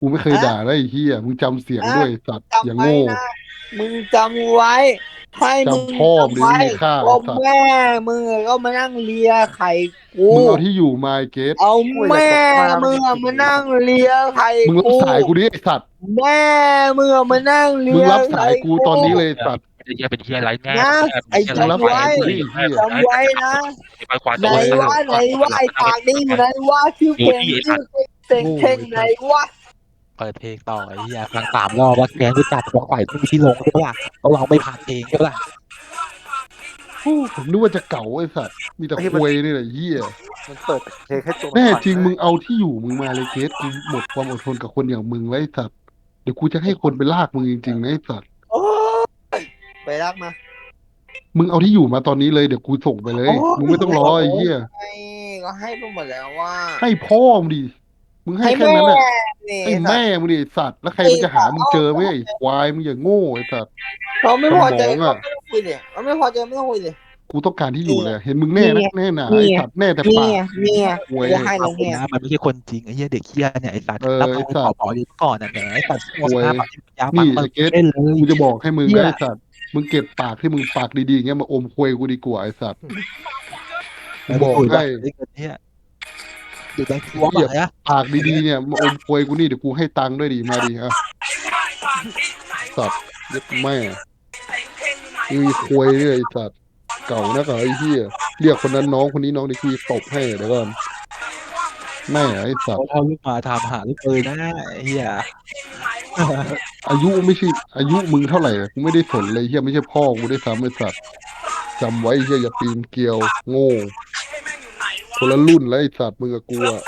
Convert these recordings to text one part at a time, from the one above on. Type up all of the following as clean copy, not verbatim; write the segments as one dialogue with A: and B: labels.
A: กูไม่เคย
B: อะ
A: ด่าได้ไอ้เหี้ยมึงจำเสียง
B: อะ
A: ด้วยไอ้สัตว์อ
B: จำ
A: ย่าโง่
B: ไว้นะมึงจำไว้ให้มึง
A: จำพ่อมึง
B: จำไว้
A: ดิไม่มีค่า
B: ก็
A: ไอ้สัตว์
B: แม่มึงก็มานั่งเลียไข่กู
A: มึงเอาที่อยู่มาไอ้เกต
B: เอา
C: อุ้ยอย่า
B: แม่
C: ตบหน้า
B: มึง
C: มึงจริง
B: มานั่ง
C: เลยสัตว์
B: เลียไข่
A: มึงรับ
B: กู
A: สายกูดิไอ้สัตว์
B: แม่มึงมานั่งเลี
A: มึง
B: ย
A: รับสา
B: ไข่
A: ยกู
B: กู
A: ตอนนี้เลยไอ้สัตว์
D: เป็นเฮียเป็นเฮียไรแม่
B: นะ
D: เป็นเฮียเป็น
B: ไอ้
D: เฮียไร
A: มึงรับ
B: จำไว้
A: สายกูดิไอ้เหี้ย
D: ไอ้
B: จำไว้นะ
D: ไปควาโต
B: ไหน
D: เลย
B: วะไหนวะไอ้ปากนี่อยู่ไหนวะชื่อเพ
D: ดู
B: ลง
D: ที่ไอ้สั
B: ชื่อ
D: ตว์
B: เต็ง
A: โง่
B: เท่งไหน
A: ไอ้สัตว์
B: วะ
D: เปิดเพลงต่อไอ้เฮียฟัง3 รอบว่าแกรู้จักของฝ่ายที่มีที่ลงใช่ปะล่ะเราลองไปผ่านเองใช่ปะล่ะ
A: โอ้ผมนึกว่าจะเก่าไอ้สัตว์มีแต่
C: ไอ้ที่
A: ควยนี่แหละเหี้ย
C: มันเปิดเพลงให้ตัวมัน
A: แน่
C: สั่นนะ
A: จริงมึงเอาที่อยู่มึงมาเลยเกตกูหมดความอดทนกับคนอย่างมึงไว้ไอ้สัตว์เดี๋ยวกูจะให้คนไปลากมึงจริงๆนะไอ้สัตว์
B: โอ้ยไปรักมา
A: มึงเอาที่อยู่มาตอนนี้เลยเดี๋ยวกูส่งไปเล
B: โอ้
A: ยมึงไม่ต้องรอไอ้เหี้ย
B: ยก็ให้ไปหมดแล้วว่า
A: ให้พ่อมึงดิมึงให้
B: ให้แม่
A: แค่นั้นน่ะ
B: เนี่ย
A: ให้แม่
B: สัตว์
A: มึงดิไอ้สัตว์แล้วใคร
B: ไอ้
A: มันจะหา
B: สัตว์
A: มึงเจอไหมไอ้ควายมึงอย่างโง่ไอ้สัตว์
B: เขาไม่
A: สม
B: พอใจ
A: องอ่ะ
B: เขาไม่ต้องคุยเลยเขาไม่พอใจไม่ต้องคุยเลย
A: กูต้องการที่อยู่
B: นี่
A: เลยเห็นมึงแน่นั
B: นี่
A: กแน่หนา
B: นี่
A: ไอ้สัตว์แน่แต่
B: นี่
A: ปาก
B: นี่
A: ควย
B: จะให้
D: เอาคน
B: แล้วเนี่ย
D: นะมันไม่ใช่คนจริงไอ้เฮียเด็กเฮียเนี่ยไอ้สัตว์
A: เออ
D: รับเอา
A: ไอ้สัตว์
D: ไปต่ออยู่ก่อนน่ะแหมไอ้สัตว์โฆ
A: ควย
D: ษณาแบบยาวฟั
A: นี่
D: งมัน
A: ไอ้เกต
D: ได้เลย
A: กูจะบอกให้มึง
D: เฮีย
A: นะไอ้สัตว์มึงเก็บปากที่มึงปากดีๆอย่างเงี้ยมาอมควยกูดีกว่าไอ้สัตว์กู
D: แล้วไปคุย
A: บอกให้
D: แบบไอ้เงินเนี่ยอยู่ในทัวร์
A: เหี้ย
D: ป่ะเนี่ย
A: ปากดีๆเนี่ยมาอมควยกูนี่เดี๋ยวกูให้ตังค์ด้วยดิมาดิอ่ะสัตว์เย็ดแม่มีควยเนี่ยไอ้สัตว์เก่านักเหรอไอ้เหี้ยเรียกคนนั้นน้องคนนี้น้องเดี๋ยวกูจะตบให้เดี๋ยวก่อนแม่ไอ้สัตว์
D: เขาเอาลูกมาทำหาลูกเอยนะไอ้เฮีย
A: อายุไม่ใช่อายุมึงเท่าไหร่กูไม่ได้สนเลยเฮียไม่ใช่พ่อกูได้ซ้ำไอ้สัตว์จำไว้เฮียอย่าปีนเกลียวโง่คนละรุ่นแล้วไอ้สัตว์มึงกับกูอะ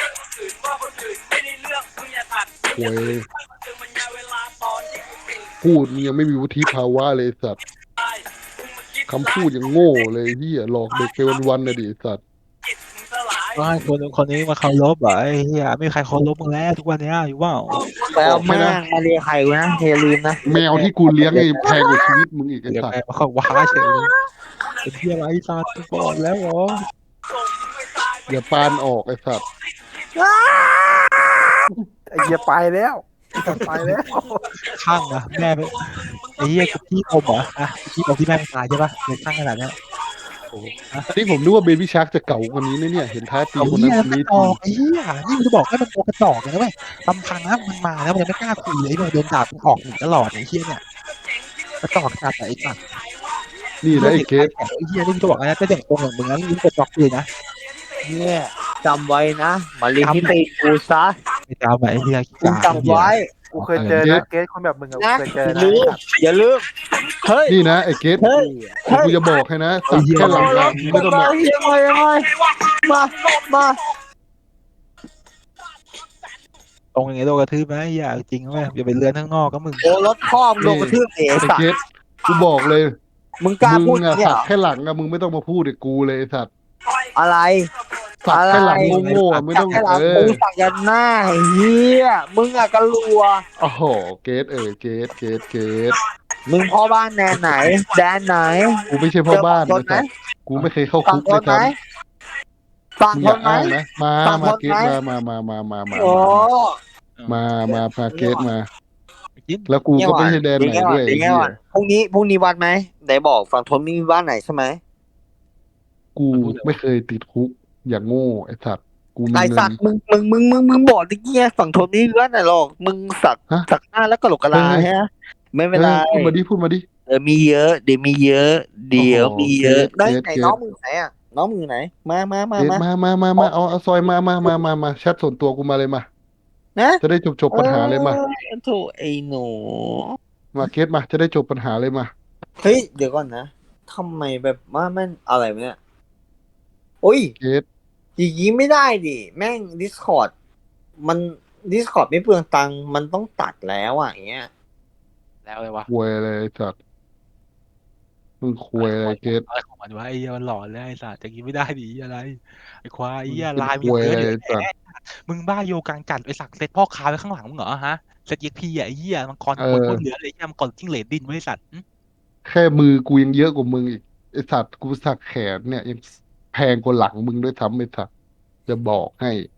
A: โวยพูดมึงยังไม่มีวุฒิภาวะเลยไอ้สัตว์คำพูดยังโง่เลยเฮียหลอกเด็กไปวันๆนะดิไอ้สัตว์
D: ว่าคนนู้นคนนี้มาเคารพเหรอไอ้เฮียไม่มีใครเคารพมึงแล้วทุกวันเนี้ยอยู่ว่า
B: ไป
A: บอกให้
B: เอาแม่
A: นะ
B: งมาเรียกใครกูนะอย่าลืมนะ
A: แมวที่กูเลี้ยงไอ้แพงกว่าชีวิตมึงอีกไอ้
D: เดี๋ยว
A: สัตว์
D: แม่มาเขาว้าเฉยเลยเป็นเฮียไรสัตว์ก่อนแล้วเหรอ
A: อย่าปานออกไอ้สัตว์
C: ไอ้เหี้ยไปแล้วไอ้สัตว์ไปแล้ว
D: ข้างนะแม่เป็นไอ้เฮียกับพี่อมเหรออ่ะพี่อมที่แม่งตายใช่ปะเลยข้างขนาดเนี้ยโอ้โหอ่ะ
A: อันนี้ผมนึกว่าเบบี้ชาร์กจะเก่ากว่านี้นะเนี่ยเห็นท้าตี
D: เอา
A: คน
D: เฮียแล้วกระ
A: นั้นคนนี้ที
D: จอกไอ้เฮียนี่กูจะบอกให้มันตัวกระจอกเลยนะเว้ยลำพังนะมันมาแล้วมันยังไม่กล้าคุยเลยไอ้โดนด่ามันออกหนีตลอดไอ้เฮียเนี่ยกระจอกขนาดไหนไอ้สัตว์
A: นี่นะ
D: เรื่องเด็ก
A: ไอ้เกต
D: ชายแข็งไอ้เฮียนี่กูจะบอกนะเป็นเด็กโกงอย่างมึงนะนี่กระจอกเลยนะ
B: เนี่ยจำไว้นะมาเรียนที่ตีกูซะ
D: ไม่จำไอ้เฮียขี้
B: มึง
D: กากไอ้เฮีย
B: จำไว้
C: กูเคยเจอนะเกสคนแบบมึงอะกู
B: นะ
C: เคยเจอ
B: อย่า
C: นะ
B: ลืม
C: ไอ้สัตว์
B: อย่าลืมเฮ้ย
A: นี่นะไอ้เกต
B: เฮ้ยเฮ้ย
A: กูจะบอกให้นะ
D: ไอ้เฮีย
A: สัตว์แค่หลังอะมึงไม่ต้องมา
B: เฮียมายังไงมามา
D: ตรงอย่างเงี้ยโดนกระทืบไหมไอ้เฮียจริงไหมอย่าไปเลื้อนข้างนอกก็มึง
B: โอ้รถพ่อมงโดน
A: นี่
B: กระทืบเอ๋
A: ไอ้
B: สัตว์
A: เกตกูบอกเลย
B: มึงกล้า
A: มึง
B: พูด
A: อะ
B: เนี่ยเหรอ
A: สัตว์แค่หลังอะมึงไม่ต้องมาพูดกับกูเลยไอ้สัตว์
B: อะไร
A: สัต
B: อะไร
A: ว์แค่หลังโง่ๆอะไม่
B: สั
A: ต้อง
B: กแค่หลัง
A: เออ
B: กูสักยันหน้าไอ้เฮียมึงอะกะลัว
A: โอ้โหเกตเกต
B: มึงพ่อบ้านแดนไหนแดนไหน
A: กูไม่ใช่
B: เจอฝั่
A: พ่อบ้า
B: งทนไหม
A: นไอ้สัตว์กูไม่เคยเข้า
B: ฝั่
A: คุ
B: งทนไหม
A: กเลยซ้
B: ฝั่
A: ำมึงอย่า
B: งทนไหม
A: อ้างนะมา
B: ฝั่งท
A: มาเก
B: นไหม
A: ตมา
B: โอ้
A: มาเกตมา
D: กิน
A: แล้วกู
B: เนี่ยก่อน
A: ก็ไม่ใช่แดนไหนด้วย
B: เดี๋ยว
A: ไอ้เหี้ย
B: ก่อนพรุ่งนี้วัดไหมไหนบอกฝั่งทนไม่มีบ้านไหนใช่ไหม
A: กูไม่เคยติดคุกอย่างโง่ไอ้สัตว์กูมี
B: ไอ
A: เงิน
B: สัตว์มึงบอกตะเกียฝั่งทนไม่มีบ้านไหนหรอกมึงสัก
A: ฮะ
B: สักหน้าแล้วก็หลกกะ
A: เฮ้ย
B: ลาฮะไม่เป็นไร
A: พูดมาดิ
B: เดี๋ยวมีเยอะเดี๋ยวมีเยอะ
A: โอ้โห
B: เดี๋ยวมีเยอะได้ไหน
A: เกต
B: น้องมึงไหนอ่ะน้องมึงไหนมามามามา
A: เอาซอยมาแชทส่วนตัวกูมาเลยมา
B: นะ
A: จะได้จบ
B: เอ
A: ปัญหาเลยมา
B: อโถไอ้หนู
A: มาเกตมาจะได้จบปัญหาเลยมา
B: เฮ้ยเดี๋ยวก่อนนะทำไมแบบว่าแม่งอะไรวะเนี่ยโอ้ย
A: เกต
B: อย่างนี้ไม่ได้ดิแม่ง Discord มัน Discord ไม่เปลืองตังค์มันต้องตัดแล้วอ่ะอย่างเงี้ย
D: แล้วเลยวะ
A: ควยอะไรไอ้สัตว์มึงควยอะไรเกต
D: อะไรของมันวะไอ้เหี้ยมันหลอนเลยไอ้สัตว์อย่างงี้ไม่ได้ดิอะไรไอ้ควายไอ้
A: มึง
D: เหี้ย
A: เป็น
D: ลายมึง
A: ควยอะไร
D: เยอะอยู่
A: ไอ้สัตว์
D: มึงบ้าโยกังจัดไปสักเซตพ่อค้าไว้ข้างหลังมึงเหรอฮะเซตเอ็กพีอ่ะไอ้เหี้ยมังกร
A: เอ
D: คน
A: อ
D: เหลือเลยไอ้เหี้ยมังกรจิ้งเหลนดินไว้สัตว์
A: แค่มือกูยังเยอะกว่ามึงอีกไอ้สัตว์กูสักแขนเนี่ยยังแพงกว่าหลังมึงด้วยซ้ำไอ้สัตว์จะบอกให้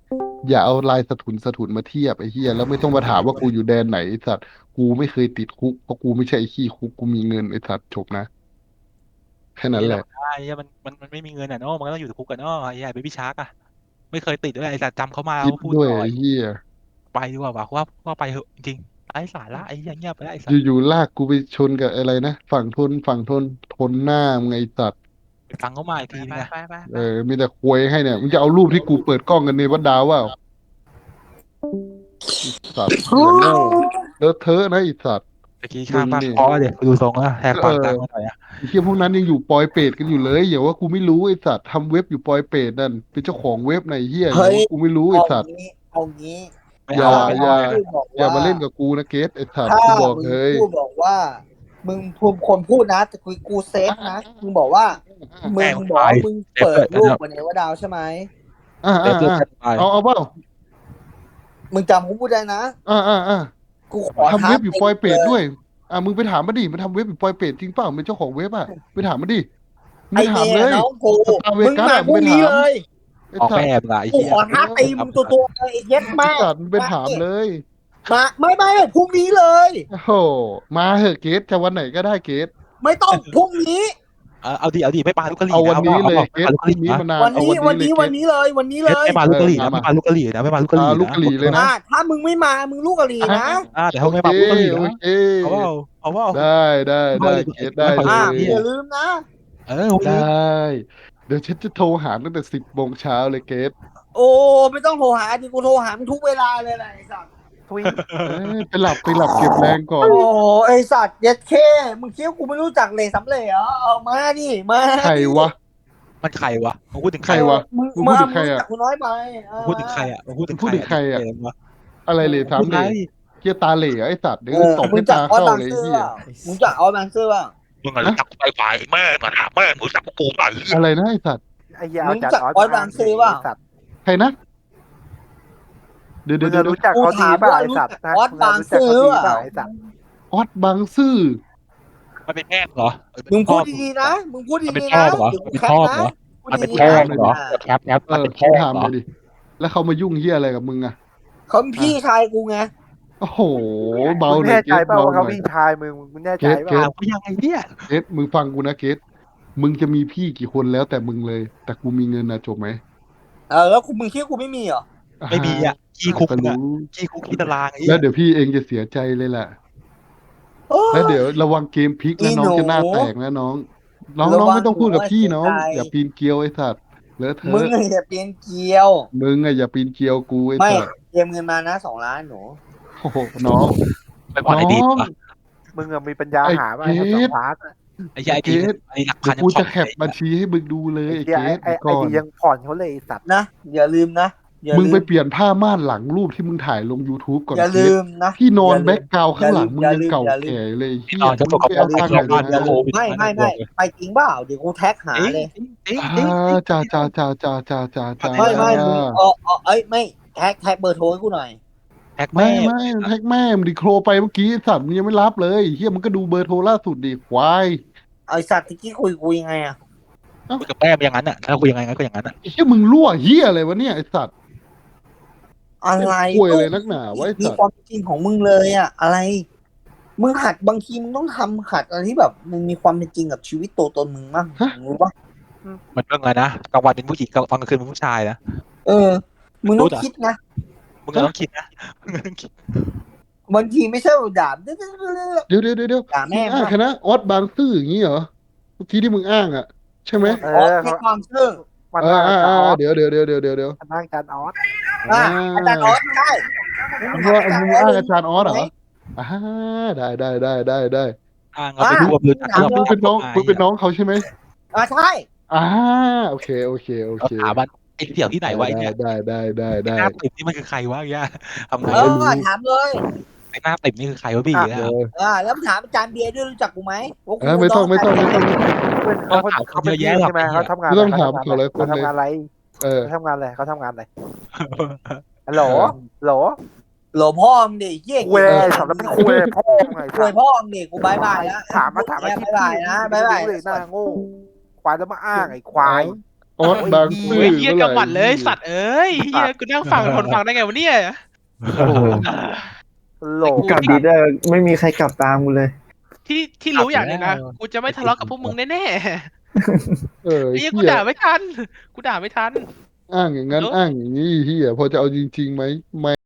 A: อย่าเอาลายสะทุนมาเทียบไอ้เหี้ยแล้วไม่ต้องมาถามว่ากูอยู่แดนไหนไอ้สัตว์กูไม่เคยติดคุกเพราะกูไม่ใช่ไอ้ขี้คุกกูมีเงินไอ้สัตว์จบนะแค่นั้นแหละ
D: ไอ้เหี้ยมันไม่มีเงินอ่ะเนาะมันก็ต้องอยู่ในคุกกันเนาะไอ้เหี้ยเบบี้ชาร์กอ่ะไม่เคยติดด้วยไอ้สัตว์จำเขามา
A: คิด
D: เขาพูด
A: ด้วย
D: ต่อ
A: ไอ้เหี้ย
D: ไปดีกว่าว่าไปเหอะจริงๆไร้สาระไอ้เหี้ยเงียบไปแล้วไอ้สัตว์
A: อยู่ๆลากกูไปชนกับอะไรนะฝั่งทนทนหน้ามึงไงไอ้สัตว์
D: ไปฟังเขามาอีกทีนึงนะ
A: มีแต่ควยให้เนี่ยมึงจะเอารูปที่กูเปิดกล้องกันในวัดดาวว่าสัตว์อย่างโง่เลอะเทอะนะไอ้สัตว์
D: เมื่อกี้ข้างบ้าน
A: มึงนี่
D: เพราะเดี๋ยวดูทรงแล้วแหกปากดังมาหน่อยอ่ะ
A: ไอ้เหี้ยพวกนั้นยังอยู่ปอยเปรตกันอยู่เลยอย่าว่ากูไม่รู้ไอ้สัตว์ทำเว็บอยู่ปอยเปรตนั่นเป็นเจ้าของเว็บไหนเหี้ยอย่าว่ากูไม่รู้ไอ้สัตว์
B: เอางี้
D: ไม่
A: อย่า
D: เอาไม่
A: อย่า
D: เอา
B: พูดบอก
A: อย่า
B: ว่า
A: มาเล่นกับกูนะเกสไอ้สัตว์
B: ถ้า
A: กูบอก
B: มึง
A: เลย
B: พูดบอกว่า มึงพูดคนพูดนะแต่กูเซฟนะมึงบอกว่ามึงบอกว่ามึงเปิดรูปบนเอวดาวใช่ไหม
A: อ่า
D: เดี๋ยวเพื่อน
A: อ่า
D: จะตาย
A: เอาเปล่า
B: มึงจำกูพูดได้นะ
A: อ่า
B: กูขอ
A: ทำเว็บอยู่ปอยเปรต
B: ล
A: ด้วยมึงไปถามมาดิมันทำเว็บอยู่ปอยเปรตจริงเปล่าเป็นเจ้าของเว็บไปถามมาดิมึง
B: ไอ
A: ไปถาม
B: เม
A: เล
B: ย์
A: ย
B: น้องกู
A: ตาเว
B: มึง
A: กัส
B: มา
A: อะ
B: พรุ่งนี้
A: มึงไปถาม
B: เลย
A: ไอ้
D: ออก
A: สัต
D: แม่
A: ว์
D: มึงอะไอ้
B: กู
D: เหี้ย
B: ขอท้าตีมึงตัวๆเลยไอ้เย็ด
A: ไอ้
B: มาก
A: สัตว์มึงไปถามเลย
B: มาไม่พรุ่งนี้เลย
A: โอ้โหมาเหอะเกสจะวันไหนก็ได้เกส
B: ไม่ต้องพรุ่งนี้
D: เอาดิไม่ปาลูกกะหรี่
A: เอาวันนี้เลย
D: ไม่
A: เกส
D: ปาลูก
A: พ
D: กะห
A: รุ่ง
D: รี่
A: นี้
D: นะ
A: มานาน
B: วัน
A: เอา
B: นี้
A: วันนี้เลย
B: วันนี้เลยวันนี้เลย
D: ไม่ปาลูกกะหรี่นะ
A: มา
D: ไม่ปาลูกกะหรี่นะไม่ปาลูกกะหรี่
A: ลูกกะหรี่เลยนะ
B: ถ้ามึงไม่มามึงลูกกะหรี่นะ
D: แต่เขาไม่ปาลูกกะหรี่
A: โอ
D: นะ
A: เค
D: เอาว่า
A: ได้เกสได้เล
B: อย่าย ลืมนะ
A: ได้เดี๋ยวฉันจะโทรหาตั้งแต่10 โมงเช้าเลยเกส
B: โอ้ไม่ต้องโทรหาดิกูโทรหามึงทุกเวลาเลยแหละไอ้สัตว์
C: ทุย
A: ไปหลับเก็บแรงก่อน
B: โอ้ไอ้สัตว์เย็ดเคมึงคิดว่ากูไม่รู้จักเลยสำเร็จเหรอเอามาดิมา
A: ใครวะ
D: มันใครวะมึงพูดถึง
A: ใครวะ
B: มึง
A: มึงพูดถึงใครอะ
B: รู้จักกูน้อยไป
D: พูดถึงใครอ่ะพูดถึง
A: พูดถึงใครอะ อะไรเลยถาม
D: พูด
A: เล
D: ไร
A: ยเกียตาเหล่ไอ้สัตว์เดี๋ยวตบ
B: มึ
A: ให้
B: งจัก
A: ตา
B: ออส
A: เข้า
B: บาง
A: เลย
B: ซื่อ
A: เฮี
B: เป
A: ย
B: ล่ามึงจักออสบางซื่อเปล่า
E: มึงอะรู้จักไฟไฟแม่งอะถามแม่งรู้จักกูป่ะเหี้ย
A: อะไรนะไอ้สัตว์
C: ไอ้เหี้ย
B: มึ
C: เอา
B: ง
C: จัด
B: จัก
C: ออส
B: ออสบางซื่อเปล่า
C: สัตว์
A: ใครนะเดี๋ยว
C: มึง
A: เดี๋ยว
C: รู้จักเขาดีเปล่าไอ้สัตว์นะ
B: ออสบางซื่อ
C: มึงรู้จักเขาดี
B: เป
C: เป
B: ล่า
C: ล่าไอ้สัตว์
A: ออสบางซื่อ
D: มันเป็นแม่เหรอ
B: มึงพูดดีๆนะมึงพูด
D: มันเป็น
B: ดีๆ
D: พ่อ
B: นะ
D: เหรอ
B: เดี๋ยวกู
D: เป็น
B: แคป
D: พ่อ
B: นะ
D: เหรอ
B: พูด
D: มันเป็น
B: ดีๆ
D: พ่อ
B: นะ
D: เหรอแคปมันเป็นพ่อ
A: ถาม
D: เหร
A: เล
D: อย
A: ดิแล้วเขามายุ่งเฮียอะไรกับมึงอะ
B: เขาเป็นพี่ชายกูไง
A: โอ้โหเบา
C: มึง
A: หน่อ
C: แน่
A: ยเก
C: ใจ
A: ส
C: เปล่า
A: เบา
C: ว่า
A: ห
C: เขา
A: น่อย
C: พี่ชายมึงแน่ใจเป
A: เก
C: ล่า
A: ส
D: ก็ยังไงเนี่ย
A: เกสมึงฟังกูนะเกสมึงจะมีพี่กี่คนแล้วแต่มึงเลย แต่กูมีเงินนะจบไหม
B: แล้วมึงคิดว่ากูไม่มีเหรอ
D: ไม่มีอ่ะขี้คุก
A: ก็
D: อ่ะ
A: รู้
D: ขี้คุกขี้ตารางไอ้
A: แล้วเดี๋ยวพี่เองจะเสียใจเลยแหละ
B: โอ้
A: แล้วเดี๋ยวระวังเกมพลิกนะน้องจะหน้าแตกนะน้องไม่ต้องพูดกับพี่น้องอย่าปีนเกลียวไอ้สัตว์เลอะเท
B: มึง
A: อะ
B: อย่าเปลี่ยนเกลียว
A: มึงอะอย่าปีนเกลียวกูไอ้
B: ไม่
A: สัตว์
B: เตรียมเงินมานะ2 ล้านหนู
A: โอ้โหน้อง
D: ไปผ่อนไอ้ดีปะ
C: มึงอะมีปัญญาหาไหม
A: ไอ้
C: ไอ้
A: เกรด
C: สองพาร์ทอะ
D: ไอ้ยาไอ้ดีไอ้หลักพั
A: เดี๋
D: น
A: ยว
D: ยังผ่อน
A: กูจะแคปบัญชีให้มึงดูเลย
C: ไอ้
A: ไอ้
C: เหี้ย
A: เกส
C: ไอ้
A: ก่อน
C: ดียังผ่อนเขาเลยไอ้สัตว์
B: นะอย่าลืมนะอย่า
A: มึง
B: ลื
A: ไป
B: ม
A: เปลี่ยนผ้าม่านหลังรูปที่มึงถ่ายลง YouTube ก่อน
B: อย่า
A: เก
B: ลื
A: ส
B: มนะ
A: ที่นอน
B: อย่าลืม
A: แบ็กกราวข้างหลังมึง
B: อย่า
A: ยัง
B: ลืม
A: เก่า
B: อย่าลืม
A: แก่เลยเฮีย
D: นอนจะ
A: มึ
D: ต
A: ง
D: กกับ
A: ไปเอา
D: พ่อ
A: ตังค์
D: บ้าน
A: ไหน
D: จะ
A: มา
D: โควิด
B: ไม่ไปจริงเปล่าเดี๋ยวกูแท็กหาเลย
A: จ้า
B: ไม่แท็กเบอร์โทรให้กูหน่อย
D: แท็ก
A: ไม่
D: แม่
A: แท็กแม่มึงดิโครไปเมื่อกี้สัตว์มึงยังไม่รับเลยเฮียมึงก็ดูเบอร์โทรล่าสุดดิควาย
B: ไอสัตว์ตะกี้คุยยังไงอะ
D: คุยกับแม่อย่างนั้นอ่ะถ้าคุยยังไงก็อย่างนั้นอ่ะ
A: เฮียมึงรั่วเฮียอะไรวะเนี่ยไอสัตว์
B: อะไร
A: คุยอะไรนักหนาไว้
B: มี
A: สัต
B: ควา
A: ว์
B: มจริงของมึงเลยอะอะไร มึงหัดบางทีมึงต้องทำหัดอะไรที่แบบมึงมีความเป็นจริงกับชีวิตตัวตนมึงบ้างรู้ปะ
D: มันเรื่องอะไรนะกลางวันเป็นผู้หญิงกลางคืนเป็นผู้ชายนะ
B: มึงต้องคิดนะ
D: มึงก็ต้องคิดนะมึงก็ต้องคิด
B: บางทีไม่ใช่ด่า
A: เดี๋ยว
B: ด่าแม่
A: มึงอ้างคณะออสบางซื่ออย่างงี้เหรอเมื่อกี้ที่มึงอ้างอ่ะใช่ไหม
C: เอ
B: อ๋อ
C: อ
B: ให้ความเชื่อ
C: มันนั่งอาจารย์ออส
A: เดี๋ยว
C: มันนั่งอาจารย์ออส
B: อาจารย์ออสใช่
A: มึงว่ามึงอ้างอาจารย์ออสเหรอได้
D: อ้างเอาไปรวบเลย
A: มึงเป็นน้องเขาใช่ไหม
B: ใช่
A: โอเค
D: ถามมันไอ้เสี่ยวที่ไหนวะไอ้เนี่ย
A: ได้
D: หน้าติ่มนี่มันคือใครวะไอ้ย่าทำไง
B: ถามเลย
D: ไอ้หน้าติ่มนี่คือใครวะพี่เนี่ย
B: แล้วถามอาจารย์เบียร์ด้วยรู้จักกูไหม
A: ไม่ต้อง
C: เขาเป็นใช่ไหมเขาทำงาน
A: ไม่ต้องถามเขาเลยค
C: เขา
A: นเลย
C: ทำงานอะไร เขาทำงานอะไรฮัลโหล
B: หลวพ่อมึงดิเยี่ย
C: คุยอะไรสำหรับเป็นคุยพ่อไง
B: คุยพ่อมึงดิกูบายแล้ว
C: ถามอาชีพ
B: บายนะบาย
C: เลยหน้าโง่ควายแล้วมาอ้างไอ้ควาย
A: ออสบาง
F: มื
A: ซื่
F: อ
A: อ
F: เฮีย
A: เมื่อไหร่
F: กำหมัดเลยสัตว์เอ้ยเฮียกูนั่งฟังทนฟังได้ไงวะเนี่ย
A: โอ้โห
C: โหล
G: กลับดีได้ไม่มีใครกลับตามกูเลย
F: ที่รู้อย่างหนึ่งนะกูจะไม่ทะเลาะกับพวกมึงแน่
A: เออ
F: ๆไอ้
A: ไอ้
F: เฮียกู
A: เหี้ย
F: ด่าไม่ทันกูด่าไม่ทัน
A: อ้างอย่างนั้นอ้างอย่างนี้เหี้ยพอจะเอาจริงๆไหมไม่